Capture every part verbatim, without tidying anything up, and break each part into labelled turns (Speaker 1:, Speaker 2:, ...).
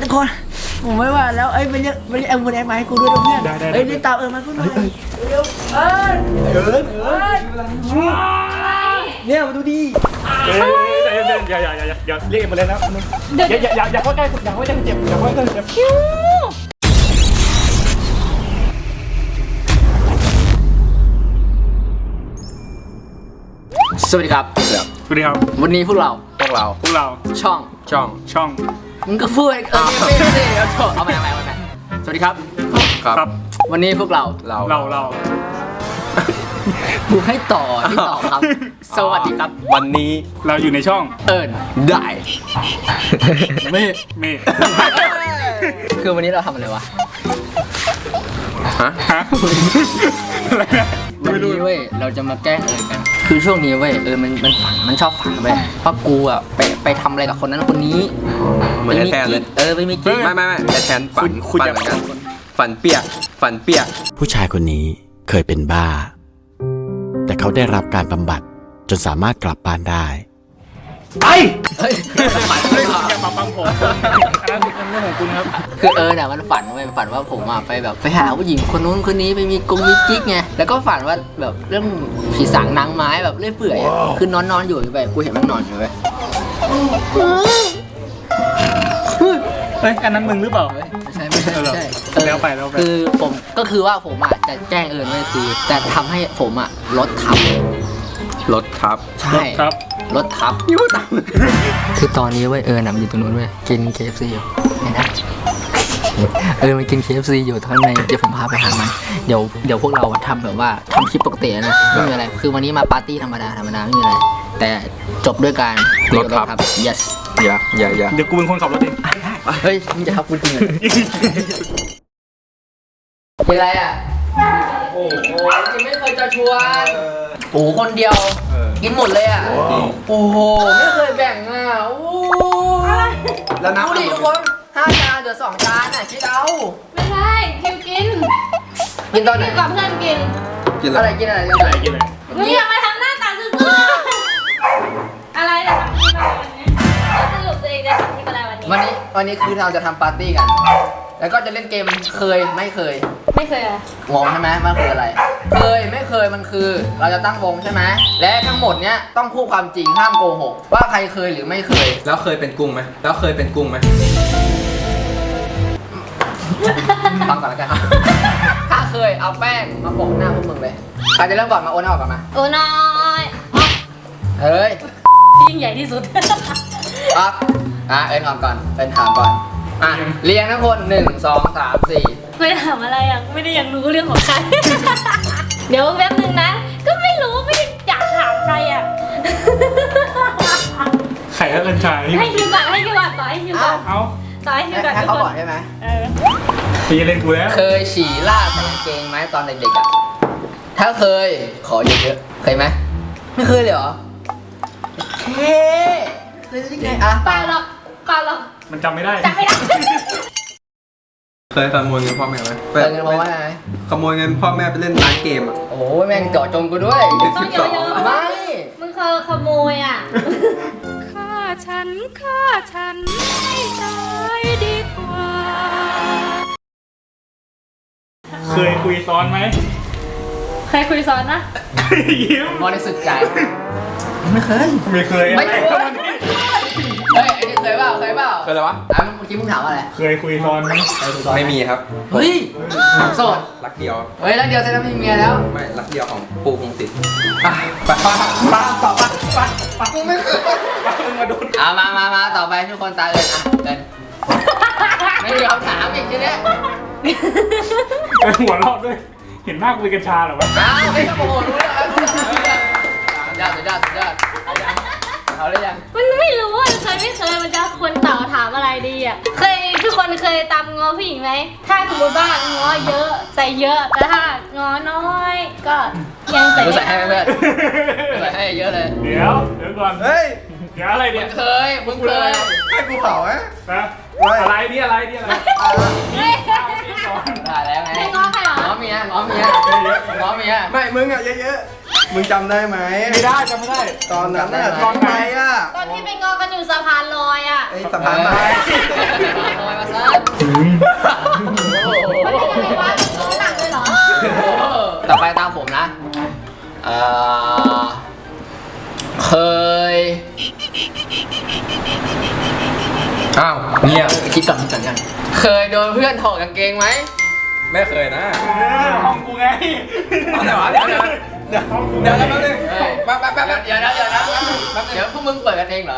Speaker 1: คนผมไม่ว่าแล้วเอ้ยมันยังมันยังแอมบูแดงมาให้กูด้วยนะเพื่อนเอ้ยรีบตามเออมากูหน่อยเร็วเอ้ยเอิร์นเอิร์นเนี่ยมาดูดิ
Speaker 2: อย่าอย่าอย่าอย่าอย่าเรียกมาเลยนะอย่าอย่าอย่าอย่าเข้าใกล้อย่าเข้าใกล้เจ็บอย่าเข้าใกล้เจ็บ
Speaker 1: สวัสดีครับ
Speaker 2: สวัสดีครับ
Speaker 1: วันนี้พวกเรา
Speaker 2: พวกเราพวกเรา
Speaker 1: ช่อง
Speaker 2: ช่องช่อง
Speaker 1: มึงก็พูดเออไม่ไม่ได้เอาเถอะเอาไปเอาไปเอาไปสวัสดีครับ
Speaker 2: ครับ
Speaker 1: วันนี้พวกเรา
Speaker 2: เราเราเรา
Speaker 1: กูให้ต่อที่ต่อครับสวัสดีครับ
Speaker 2: วันนี้เราอยู่ในช่อง
Speaker 1: เอิญได้
Speaker 2: เมฆเมฆ
Speaker 1: คือวันนี้เราทำอะไรวะ
Speaker 2: ฮะฮะอะไรนะ
Speaker 1: วันนี้เว้ยเราจะมาแกล้งเอิญกันคือช่วงนี้เว้ยเออมันมันฝันมันชอบฝันเว้ยเพราะกูอ่ะไปไปทำอะไรกับคนนั้นคนนี้
Speaker 3: เหมือนแทนเลย
Speaker 1: เออไม่มีกิ๊ก
Speaker 3: ไม่ไม่ไม่แทนฝันฝันเหมือนกันฝันเปียกฝันเปียก
Speaker 4: ผู้ชายคนนี้เคยเป็นบ้าแต่เขาได้รับการบำบัดจนสามารถกลับบ้านได้
Speaker 2: ไปเฮ้ยฝันเลยอย่ามาฟังผมอันนั้นเป็นเรื่องของคุณครับ
Speaker 1: คือเออเนี่ยมันฝันเว้ยฝันว่าผมอ่ะไปแบบไปหาผู้หญิงคนนู้นคนนี้ไปมีกงมีกิ๊กไงแล้วก็ฝันว่าแบบเรื่องผีสางนางไม้แบบเรื่อยเปื่อยคือนอนนอนอยู่ไปกูเห็นมันนอนอยู่ไป
Speaker 2: เฮ้ยอันนั้นมึงหรือเปล่า
Speaker 1: ไม่ใช่ไม่ใช่ไม่ใช่
Speaker 2: แล้วไปแล้วไป
Speaker 1: คือผมก็คือว่าผมอ่ะจะแจ้งเอิญไว้คือแต่ทำให้ผมอ่ะลดทับ
Speaker 3: รถทับ
Speaker 1: ใช่
Speaker 2: ครับ
Speaker 1: รถทับยูทับคือตอนนี้เว้ยเอิญมันอยู่ตรงนู้นเว้ยกิน เค เอฟ ซี อยู่เห็นไหมเออมันกิน เค เอฟ ซี อยู่ข้างในเดี๋ยวผมพาไปหามันเดี๋ยวเดี๋ยวพวกเราทำแบบว่าทำคลิปปกตินะไม่มีอะไรคือวันนี้มาปาร์ตี้ธรรมดาธรรมดาไม่มีอะไรแต่จบด้วยการ
Speaker 3: รถทับ
Speaker 1: yes
Speaker 3: อย่าอย่าอย่า
Speaker 2: เดี๋ยวกูเป็นคนขับรถเอง
Speaker 1: เฮ้ยมึงจะทับกูจริงเหรอเป็นไรอ่ะโอ้โหจริงไม่เคยจะชวนโอ้คนเดียวกินหมดเลยอ่ะโอ้โหไม่เคยแบ่งอ่ะโอ้
Speaker 3: แล้วน้ำ
Speaker 1: ดูดิทุกคนห้าจานเดี๋ยวสองจานอ่ะคิดเอา
Speaker 5: ไม่ใช่คิวกิน
Speaker 1: กินตอนไหน
Speaker 5: กับเพื่อนกิน
Speaker 3: กิน
Speaker 1: อะไรกินอะไร
Speaker 2: กินอะไรกินอะไร
Speaker 5: มึงอย่ามาทำหน้าตาซื่อๆอะไรจะทำที่อะไรวันนี้สรุปตัวเองจะทำที่อะไรวันนี้
Speaker 1: วันนี้วันนี้คือเราจะทำปาร์ตี้กันแล้วก็จะเล่นเกมเคยไม่เคย
Speaker 5: ไม่เคยอะ
Speaker 1: งงใช่ไหมมันคืออะไรเคยไม่เคยมันคือเราจะตั้งวงใช่ไหมและทั้งหมดเนี้ยต้องพูดความจริงห้ามโกหกว่าใครเคยหรือไม่เคย
Speaker 3: แล้วเคยเป็นกุ้งไหมแล้วเคยเป็นกุ้งไหม
Speaker 1: ฟังก่อนแล้วกันถ้าเคยเอาแป้งมาโปะหน้าพวกมึงเลยใครจะเริ่มก่อนมาโอนออกก่อนมา
Speaker 5: โอ้น้อย
Speaker 1: เฮ้ย
Speaker 5: ยิ่งใหญ่ที่สุด
Speaker 1: อ่ะอ่ะเอ็นออกก่อนเป็นถามก่อนอ่ะเรียงทั้งคนหนึ่งสองสามสี่
Speaker 5: ไม่ถามอะไรอ่ะไม่ได้อยากรู้เรื่องของใครเดี๋ยวแป๊บนึงนะก็ไม่รู้ไม่ได้อยากถามใครอ่ะ
Speaker 2: ไข่แล้วกันชาย
Speaker 5: ให้คิวก่อนให้คิวก่อนต่อให้คิวก่อน
Speaker 2: เอา
Speaker 5: ต่อให้คิวก่อน
Speaker 1: ให้เขาก่อนใช่ไหม
Speaker 5: เออ
Speaker 2: พี่เล่นกูแล้ว
Speaker 1: เคยฉี่ลาดใส่กางเกงไหมตอนเด็กๆอ่ะถ้าเคยขอเยอะๆเคยไหมไม่เคยเลยเหรอเคเคยได้ไงอ่ะ
Speaker 5: เปล่าหรอกเปล่าหรอก
Speaker 2: มันจำไม่ได้
Speaker 5: จำไม่ได้
Speaker 3: เคยขโมยเงินพ่อแม่ไหม
Speaker 1: เคยเงินพ่อแม่ไหม
Speaker 3: ขโมยเงินพ่อแม่ไปเล่นร้านเกมอ่ะ
Speaker 1: โอ้ยแม่งเจาะจงกูด้วย
Speaker 3: เป็นสิบสอง
Speaker 1: ไม่
Speaker 5: มึงเคยขโมยอ่ะ
Speaker 6: ฆ่าฉันฆ่าฉันให้ตายดีกว่า
Speaker 2: เคยคุยซ้อนไหม
Speaker 5: เคยคุยซ้อนนะ
Speaker 2: ยิ้ม
Speaker 1: บริสุทธิ์ใจไม่เคย
Speaker 2: ไม่เคย
Speaker 1: ไม่เคยเฮ้ยไอ้นี่เคยเปล่าเคยเปล่า
Speaker 3: เคยอะไรวะ
Speaker 1: อ่ะเมื่อกี้มึงถามอะไร
Speaker 2: เคยคุยซ้อนไหม
Speaker 3: ไม่มีครับ
Speaker 1: เฮ้ยโสด
Speaker 3: รักเดียว
Speaker 1: เฮ้ยรักเดียวเสร็จแล้วมีเมียแล้ว
Speaker 3: ไม่รักเดียวของปูพงศิษฐ์
Speaker 1: ไปไปไปต่อไปไปไปกูไม่เคยมาดูอ่ะมามามาต่อไปทุกคนตาเอิญอ่ะเอิญไม่มีคำถามอีกทีเนี้ย
Speaker 2: หัวเราะด้วยเห็นหน้าคุยกัญชาหรอวะ
Speaker 1: อ้าวไม่ต้องโมโหรู้แล้วสุดยอดสุดยอดสุดยอดเอาเลยยัง
Speaker 5: มันไม่รู้อ่ะเคยไม่เคยมันจะควรตอบถามอะไรดีอ่ะเคยทุกคนเคยตามงอผู้หญิงไหมถ้าสมมติว่างอเยอะใส่เยอะแต่ถ้างอน้อยก็ยังใส่
Speaker 1: ใส่ให้เพื่อนใส่ให้เยอะเลย
Speaker 2: เดี๋ยวเดี๋ยวก่อน
Speaker 3: เฮ้ย
Speaker 2: เดี๋ยวอะไรเนี่ย
Speaker 1: เคยมึงเคย
Speaker 3: ให้กูเผาไหม
Speaker 2: นะอะไรนี่อะไรนี่อะไร
Speaker 1: นี่ก่อนได้แล้วไง
Speaker 5: ไม่ง้อใครหรอ
Speaker 1: ง้อเมียง้อเมียง้อเมีย
Speaker 3: ไม่มึงอ่ะเยอะๆมึงจำได้ไหม
Speaker 2: ไม่ได้จำไม่ได้
Speaker 3: ตอนนั้นน่ะตอนไหนอ่ะ
Speaker 5: ตอนที่ไปงอกันอยู่สะพานลอยอ่ะ
Speaker 3: ไอ้สะพานลอย
Speaker 1: ลอยมาซะ
Speaker 3: าวเงียบ
Speaker 1: คิดก่อนคิดก่อนกันเคยโดนเพื่อนถอดกางเกงไหม
Speaker 3: ไม่เคยนะ
Speaker 2: ห้องกูไง
Speaker 3: เอาแต่ว่าเดี๋ยวเดี๋ยวเดี๋ยวเดี๋ยวแป๊บนึงแป๊บแป๊บแป๊บ
Speaker 1: เดี๋ยวนะเดี๋ยวนะเดี๋ยวพวกมึงเปิดกันเองเหรอ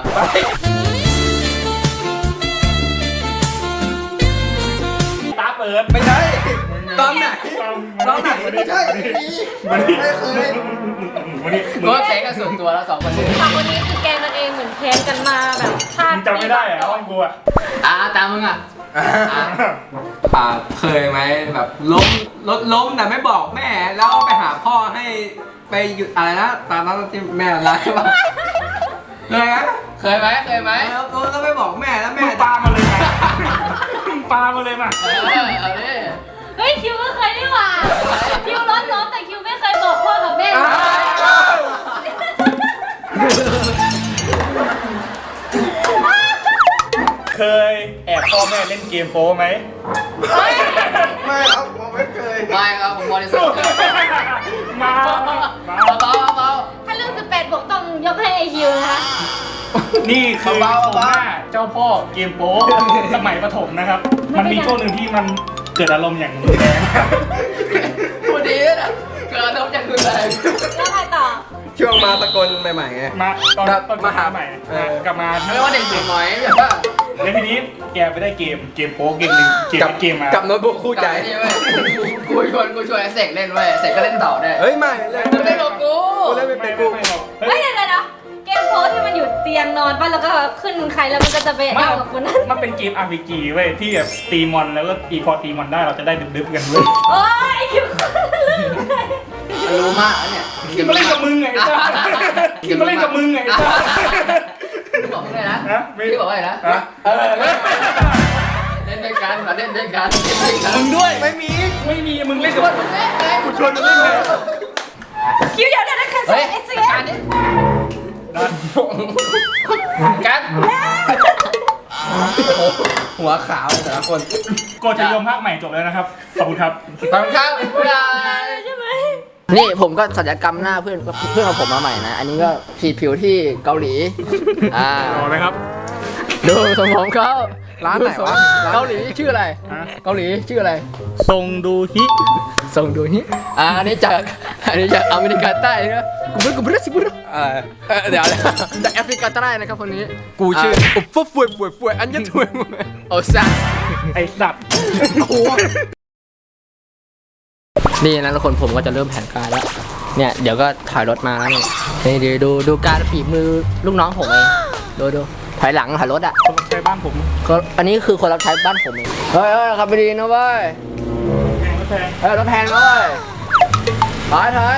Speaker 2: ตาเปิด
Speaker 3: ไม่ใช่ตอนไหนตอนไหนไม่ใช่
Speaker 2: วันนี้
Speaker 3: ไม่เคย
Speaker 2: วันนี้
Speaker 1: มึงก็แข่งกันส่วนตัวแล้วสองคนนี้
Speaker 5: สองคนนี้คือแกงกันเองเหมือนแพ้กันมาแบบชา
Speaker 2: มึ
Speaker 5: ติ
Speaker 2: งจำไม่ได้เหรอห้องกูอะ
Speaker 1: อ่าตามมึงอ่ะ
Speaker 3: อ่าเคยไหมแบบล้มรถล้มแต่ไม่บอกแม่แล้วไปหาพ่อให้ไปหยุดอะไรนะตอนนั้นที่แม่อะไรวะเคยไหม
Speaker 1: เคยไหมเคยไหม
Speaker 3: แล้วแล้วไม่บอกแม่แล้วแม่
Speaker 2: มึงปามาเลยมามึงปามาเลยมา
Speaker 1: เออเอาดิ
Speaker 5: เฮ้ยคิวก็เคยนี่หว่าคิวร้อนร้อนแต่คิวไม่เคยบอกพ่อกับแม่
Speaker 2: เคยแอบพ่อแม่เล่นเกมโป๊ไหม
Speaker 3: ไม่ครับผมไม่เคย
Speaker 1: ไม่ครับผมบริสุทธิ์
Speaker 2: มา
Speaker 1: เบา
Speaker 2: มา
Speaker 1: เบาเบา
Speaker 5: ถ้าเรื่องสิบแปดบวกต้องยกให้ไอคิวนะคะ
Speaker 2: นี่คือผมหน้าเจ้าพ่อเกมโป๊สมัยประถมนะครับ มันมีช่วงหนึ่งที่มันเกิดอารมณ์อย่างรุนแรง
Speaker 1: พูดดีนะเกิดน้ำจากคืออะไร
Speaker 5: แล้วใครต่อ
Speaker 3: ช่วงมาสกลใหม่ๆไง
Speaker 2: มาตอน
Speaker 3: ครับ
Speaker 2: ตอน
Speaker 3: มาหา
Speaker 2: ใหม่
Speaker 3: เออ
Speaker 2: กลับมา
Speaker 1: เรียกว่าเด็กหนุ่มหน่อยแบบว่า
Speaker 2: แล้วทีนี้แกไปได้เกมเกมโป๊เกมหนึ่งเกม
Speaker 3: กับ
Speaker 2: เกมมา
Speaker 3: กับโน้ตบุ๊กคู่ใจ
Speaker 1: นี่เว้ยกูชวนกูชวนไอ้เสกเล่นเว้ยเสกก็เล่นต่อได้
Speaker 3: เฮ้ยไม่เล่น
Speaker 1: มึงเล่นกับกู
Speaker 3: กูเล่นไม่เป็นกู
Speaker 2: ไม่หรอก
Speaker 5: เฮ้ยเดี๋ยวเดี๋ยวเดี๋ยวเกมโพสที่มันอยู่เตียงนอนป่ะแล้วก็ขึ้นใครแล้วมันก็จะไป
Speaker 2: ไม่
Speaker 5: เอากับคนนั้น
Speaker 2: มันเป็นเกม อาร์ พี จี เว้ยที่แบบตีมอนแล้วก็ตีพอตีมอนได้เราจะได้ดึบๆกันเว้ย
Speaker 5: โอ้ยไอคิว
Speaker 1: มันรู้มากแล้วเนี่ย
Speaker 2: กินมาเล่นกับมึงไงไอ้จ้ากินมาเล่นกับมึงไงไอ้จ้า
Speaker 1: พี่บอกมึงเลยนะ
Speaker 2: ฮะไม่
Speaker 1: พี่บอกว่าอะไรนะ
Speaker 2: ฮะเออ
Speaker 1: เล่นด้วยกันมาเล่นด้วยกันเล่นด้วยกัน
Speaker 2: มึงด้วยไม่มีไม่มีมึงเล่นกับ
Speaker 1: มึงเล่นไง
Speaker 2: กูชวนมึงเล่นไง
Speaker 5: คิวเดี๋ยวเดี๋ยวนะใครใส่
Speaker 1: เฮ้ย
Speaker 5: ไอซี
Speaker 1: การนี้
Speaker 2: นั่น
Speaker 1: การ
Speaker 3: หัวขาวเลยแต่ละคน
Speaker 2: โกจะยมภาคใหม่จบแล้วนะครับขอบคุณครับ
Speaker 1: ขอบคุณครับเพื่อน
Speaker 5: ใช่ไหม
Speaker 1: นี่ผมก็ศัลยกรรมหน้าเพื่อนเพื่อนของผมมาใหม่นะ อันนี้ก็ฉีดผิวที่เกาหลี อ่าร
Speaker 2: อนะครับ
Speaker 1: ดูสมองเขา
Speaker 3: ร้านไหนวะ
Speaker 1: เกาหลีชื่ออะไร
Speaker 2: ฮะ
Speaker 1: เกาหลีชื่ออะไร
Speaker 2: ทรงดูฮิ
Speaker 1: ส่งดูนี่อ่าอันนี้จากอันนี้จากอเมริกาใต้นะกูไม่กูไม่ได้สิบุร
Speaker 3: เออ
Speaker 1: เออเดี๋ยวนะจากแอฟริกาใต้นะครับคนนี้
Speaker 3: กูชื่ออุบฟุบฟวยฟวยฟวยอันยันถวยมวย
Speaker 1: โอซ่า
Speaker 2: ไอ้สัตว์
Speaker 1: นี่นะทุกคนผมก็จะเริ่มแผนการแล้วเนี่ยเดี๋ยวก็ถอยรถมาแล้วนี่นี่เดี๋ยวดูดูการฝีมือลูกน้องผมเองดูดูถอยหลังถอยรถอ่ะ
Speaker 2: คนใช้บ้านผม
Speaker 1: ก็อันนี้คือคนรับใช้บ้านผมเองเฮ้ยเฮ้ยขับไปดีนะเว้ย
Speaker 2: แพงก็แพง
Speaker 1: เฮ้ยรถแพงนะเว้ยถอยถอย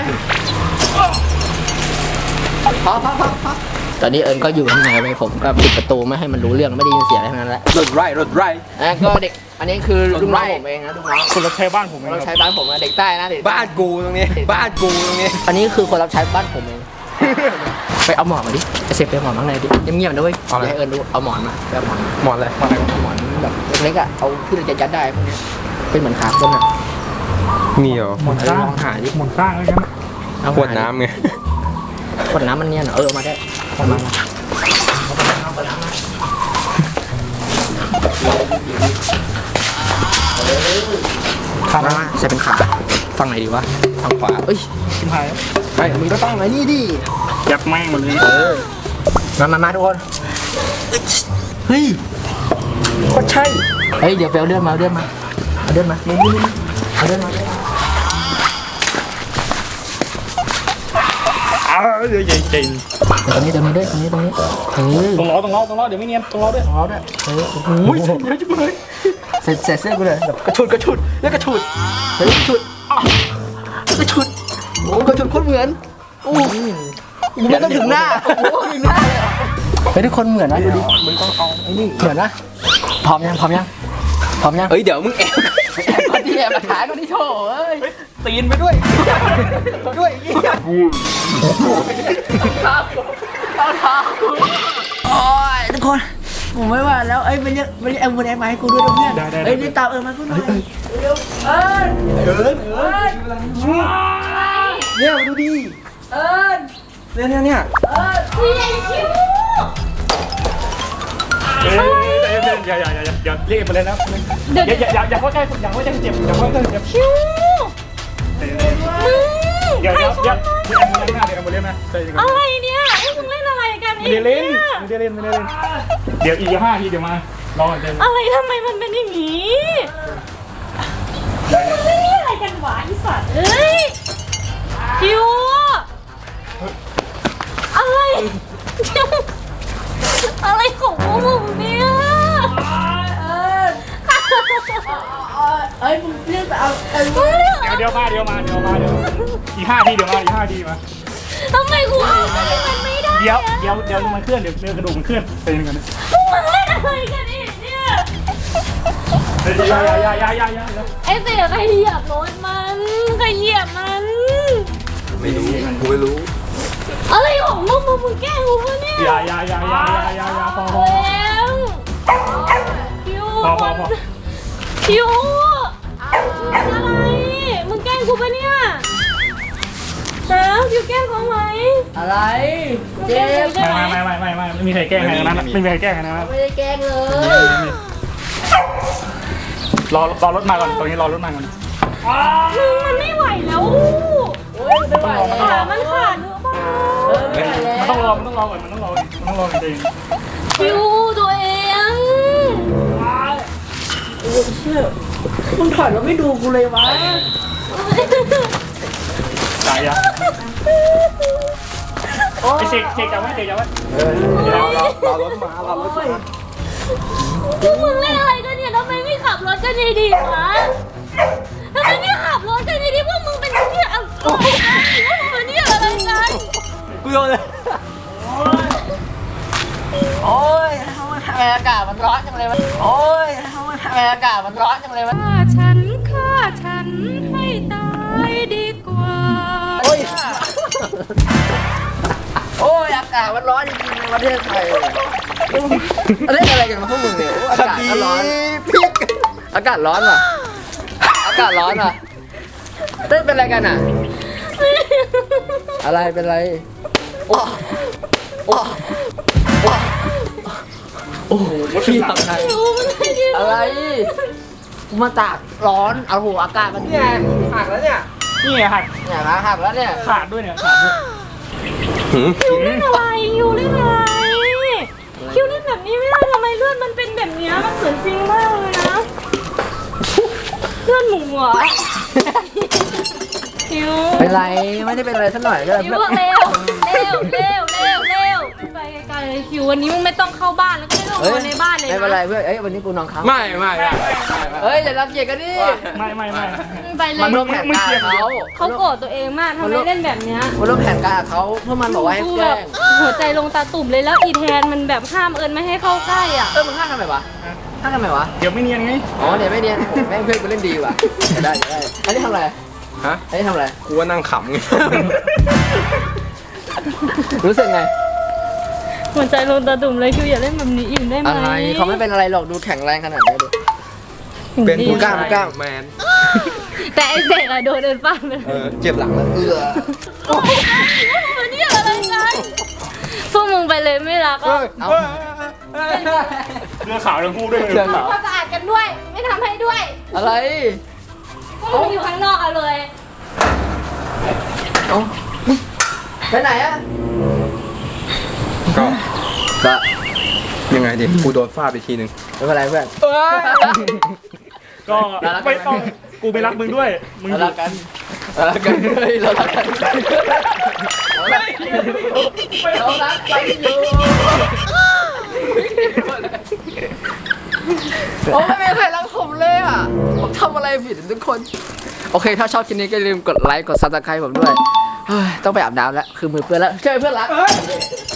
Speaker 1: พอพอพอพอตอนนี้เอิญก็อยู่ข้างในไปผมก็ปิดประตูไม่ให้มันรู้เรื่องไม่ได้ยินเสียงอะไรทั้งนั้นแหละ
Speaker 3: รถไรรถไร
Speaker 1: อ่ะก็เด็กอันนี้คือลูกน้องผมเองนะลูกน้อง
Speaker 2: คนรับใช้บ้านผมเอง
Speaker 1: คนรับ
Speaker 2: ค
Speaker 1: ใช้
Speaker 2: รับ
Speaker 1: บ้านผมนะเด็กใต้นะเด็กใต้
Speaker 3: บ้านกูตรงนี้ บ้านกูตรงนี้
Speaker 1: อันนี้คือคนรับใช้บ้านผมเอง ไปเอาหมอนมาดิไอเซฟไปเอาหมอนข้างในดิเงียบๆนะเว้ยอย่าให้เอิญรู้เอาหมอนมาไปเอาหมอนมา
Speaker 3: หมอนเลย
Speaker 1: เอาหมอนแบบเล็กๆอ่ะเอาที่เราจะยัดได้พวกเนี้ยเป็นเหมือนขาคนอ่ะ
Speaker 3: มีเหรอ
Speaker 2: หมดสร้าง
Speaker 1: ลองหาดิ
Speaker 2: หมดสร้างแล้วใช่ไหม
Speaker 1: เอา
Speaker 3: ขวดน้ำไง
Speaker 1: ขวดน้ำมันเนี่ยเหรอเออเอามาได้เอามาขามาใส่เป็นขาฝั่งไหนดีวะฝั่งขวาเอ้ย
Speaker 2: ชิมหาย
Speaker 1: ไอ้มึงก็ต้องไอ้นี่ดิ
Speaker 2: ยับแม่งหมดเลย
Speaker 1: เออมามามาทุกคนเฮ้ยก็ใช่เฮ้ยเดี๋ยวไปเอาเลื่อนมาเอาเลื่อนมาเอาเลื่อนมานี่นี่นี่เอาเลื่อนมา
Speaker 2: อ้าวเดี๋ยวใหญ่จริง
Speaker 1: ตรงนี้ตรงนี้ด้วยตรงนี้ตรงนี้เออ
Speaker 2: ตรงล้อตรงล้อตรงล้อเดี๋ยวไม่เนียนตรงล้อด้วย
Speaker 1: ของเราด้วยเออโอ้โห
Speaker 2: เยอะจังเลย
Speaker 1: เสร็จเสร็จเสื้อกูเลยแบบกระชุดกระชุดแล้วกระชุดเฮ้ยกระชุดอ้าวกระชุดโอ้กระชุดโคตรเหมือนโอ้มันต้องถึงหน้าโอ้ถึงหน้าเลยเฮ้ยทุกคนเหมือนนะดูดิมึงต้องเอาไอ้นี่เหมือนนะพร้อมยังพร้อมยังพร้อมยัง
Speaker 3: เฮ้ยเดี๋ยวมึงแอบ
Speaker 1: แอบคนที่แอบมาถ่ายคนที่โชว์เอ้ย
Speaker 2: ตีนไปด้วย
Speaker 1: ด้วยยี่ห้อเอาเท้าโอ้ยทุกคนผมไม่ว่าแล้วเอ้ยมันเรียกมันเรียกแอมบูเลนซ์มาให้กูด้วยนะเพื่อนเอ้ยรีบตามเอิญมากูหน่อยเร็วเอิญเอิญเอิญเนี่ยมาดูดิเอิญ
Speaker 3: เนี่ยเนี่ยเนี่ย
Speaker 5: เออพี่ไอคิว
Speaker 2: เอ้ยใจเย็นอย่าอย่าอย่าอย่าเรียกไปเลยนะอย่าอย่าอย่าอย่าเข้าใกล้อย่าเข้าใกล้เจ็บอย่าเข้าใกล้เจ็บ
Speaker 5: คิวมึง
Speaker 2: เดี๋ยวเดี๋ยวเดี๋ยวเดี๋ยวแอมบูเลนซ์นะเดี๋ยวแอมบูเลนซ์นะใจเย็นก่อน
Speaker 5: อะไรเนี่ยไอ้มึงเล่นอะไรกัน
Speaker 2: ไม่ได้เล่นไม่ได้เล่นไม่ได้เล่นเดี๋ยวอีกห้าทีเดี๋ยวมารอก่อนเต็ม
Speaker 5: อะไรทำไมมันเป็นอย่างนี้มึงเล่นอะไรกันวะไอ้สัตว์เอ้ยคิวอะไรอะไรของพวกมึงเนี่ยเอ้ยมึงเรียกเอาเอ้ย
Speaker 2: เดี๋ยวเดี๋ยวมาเดี๋ยวมาเดี๋ยวมาเดี๋ยวอีกห้าทีเดี๋ยวมาอีกห้าทีมา
Speaker 5: ทำไมกูเอาไปมันไม่ได้
Speaker 2: เดี๋ยวเดี๋ยวเดี๋ยวมันเคลื่อนเดี๋ยวเนื้อกระดูกมันเคลื่อนไปยังไงนะ
Speaker 5: พวกมึงเล่นอะไรกันอีกเนี่ย
Speaker 2: ยายายายายายา
Speaker 5: ไอ้เสียใครเหยียบรถมันใครเหยียบมัน
Speaker 3: ไม่รู้กูไม่รู้
Speaker 5: อะไรของมึงมึงมึงแกล้งกูปะเนี่ย
Speaker 2: ยายายายายายาพอพอ
Speaker 5: แล้วคิว
Speaker 2: พอพอพอ
Speaker 5: คิวอะไรมึงแกล้งกูปะเนี่ยแล้วคิวแกล้งเขาไหม
Speaker 7: อะไร
Speaker 5: เจ็บใช่ไหม
Speaker 2: ไม่ไม่ไม่ไม่ไม่ไม่มีใครแกล้งใครนะไม่มีใครแกล้งใครนะ
Speaker 7: ไม่ได้แกล้งเลย
Speaker 2: รอรอรถมาก่อนตรงนี้รอรถมาก่อน
Speaker 5: มึงมันไม่ไหวแล้ว
Speaker 7: โอ้ยไม่ไหวแล้ว
Speaker 5: ขามันขาดหรือเปล่า
Speaker 7: เออไม่ไหวแล้ว
Speaker 2: มันต้องรอมันต้องรอก่อนมันต้องรอมันต้องรอจริง
Speaker 5: คิวตัวเอง
Speaker 7: โอ้ยเชี่ยมึงถอยแล้วไม่ดูกูเลยวะ
Speaker 2: ๆจ่ายยาไอเช็คเช็คจับไว้เช็คจับไว้
Speaker 3: รอรอรอรถมารอรถมา
Speaker 5: พวกมึงเล่นอะไรกันเนี่ยทำไมไม่ขับรถกันดีๆวะทำไมไม่ขับรถกันดีๆพวกมึงเป็นที่อะไรพวกมึงเป็นที่อะไรกัน
Speaker 3: กูโดนเลย
Speaker 7: โอ้ยทำไมอากาศมันร้อนจังเลยวะโอ้ยทำไมอากาศมันร้อนจังเลยวะ
Speaker 6: ฆ่าฉันฆ่าฉันให้ตายดีกว่า
Speaker 7: โอ้ยโอ้ยอากาศมันร้อนจริงๆในประเทศไทยเล่นอะไรกันมาพวกมึงเนี่ยโอ้ยอากาศก็ร้อน
Speaker 3: พริก
Speaker 7: อากาศร้อนว่ะอากาศร้อนว่ะเต้นเป็นอะไรกันอ่ะ อะไรเป็นไรโอ้โอ้โอ้โหพี่ทำไง
Speaker 5: คิวมันไม่ดี
Speaker 7: อะไรกูมาตากร้อนเอาหัวอากาศมัน
Speaker 3: เนี่ยหักแล้วเนี่ย
Speaker 2: นี่ไงหัก
Speaker 7: เนี่ยนะหักแล้วเนี่ย
Speaker 2: ขาดด้วยเนี่ยขาดด้วย
Speaker 5: คิวเล่นอะไรคิวเล่นอะไรคิวเล่นแบบนี้ไม่ได้ทำไมเลือดมันเป็นแบบนี้มันเหมือนจริงมากเลยนะเลือดหมูเหรอคิว
Speaker 7: เป็นไรไม่ได้เป็นอะไรสักหน่อยก็
Speaker 5: คิวเร็วเร็วเร็วเร็วเร็วไปไกลๆเลยคิววันนี้มึงไม่ต้องเข้าบ้านแล้วก็ไม่ต้องนอนในบ้านเลย
Speaker 7: ไม่เป็นไร
Speaker 5: นะ
Speaker 7: เพื่อนเอ้ยวันนี้กูนอนค้าง
Speaker 3: ไม่ไม่ไม่
Speaker 7: เอ้ยอย่ารังเกียจกันดิ
Speaker 2: ไม่ไม่ไม่
Speaker 5: ไปเล
Speaker 7: มัน
Speaker 5: ย
Speaker 7: ร่วมแผนการเขา
Speaker 5: เขาโกรธตัวเองมากทำไมเล่นแบบเนี้ย
Speaker 7: มันร่วมแผนการเขาเพื่อมันบอกว่าให้
Speaker 5: กู
Speaker 7: แก
Speaker 5: แบ
Speaker 7: ล้
Speaker 5: บ
Speaker 7: ง
Speaker 5: หัวใจลงตาตุ่มเลยแล้วอีแทนมันแบบห้ามเอิญไม่ให้เข้าใกล้อ่ะ
Speaker 7: เออมึงห้ามทำไมวะห้ามทำไมวะ
Speaker 2: เดี๋ยวไม่เนียนไง
Speaker 7: อ๋อเดี๋ยวไม่เนียนแม่งเพื่อนกูเล่นดีว่ะได้ได้อันนี้ทำอะไร
Speaker 3: ฮะ
Speaker 7: อันนี้ทำอะไร
Speaker 3: กูว่านั่งขำไง
Speaker 7: รู้สึกไง
Speaker 5: หัวใจลงตาตุ่มเลยคิวอย่าเล่นแบบนี้อีกได้ไหม
Speaker 7: อะไรเขาไม่เป็นอะไรหรอกดูแข็งแรงขนาดนี้ดู
Speaker 3: เป็น
Speaker 7: ผู้กล้าผู้กล้า
Speaker 3: แมน
Speaker 5: แต่ไอเสกอะโดนเดินป้าไป
Speaker 3: เออเจ็บหลังแล้ว
Speaker 7: เออ
Speaker 5: มันนี่อะไรกันพวกมึงไปเลยไม่รักอ่ะ
Speaker 7: เอา
Speaker 2: เรือขาวทั้งคู่ด้วย
Speaker 7: เชื่อเหรอ
Speaker 5: ความสะอาดกันด้วย ไม่ทำให้ด้วย
Speaker 7: อะไร
Speaker 5: พวกมึงอยู่ข้างนอกเอาเลย
Speaker 7: เอาไปไหนอะ
Speaker 3: ก็
Speaker 7: ก็
Speaker 3: ยังไงดิกูโดนฟาดไปทีนึง
Speaker 7: ไม่เป็นไรเพื่อน
Speaker 2: ก็ไม่ต้องกูไม่รักมึงด้วยมึง
Speaker 7: เรารักกันเรารักกันเฮ้ยเรารักกันเรารักเรารักกันอยู่โอ้ไม่มีใครรักผมเลยอ่ะผมทำอะไรผิดทุกคน โอเคถ้าชอบคลิปนี้ก็อย่าลืมกดไลค์กดซับสไครต์ผมด้วยเฮ้ยต้องไปอาบน้ำแล้วคือมือเปื้อนแล้วใช่เพื่อนรัก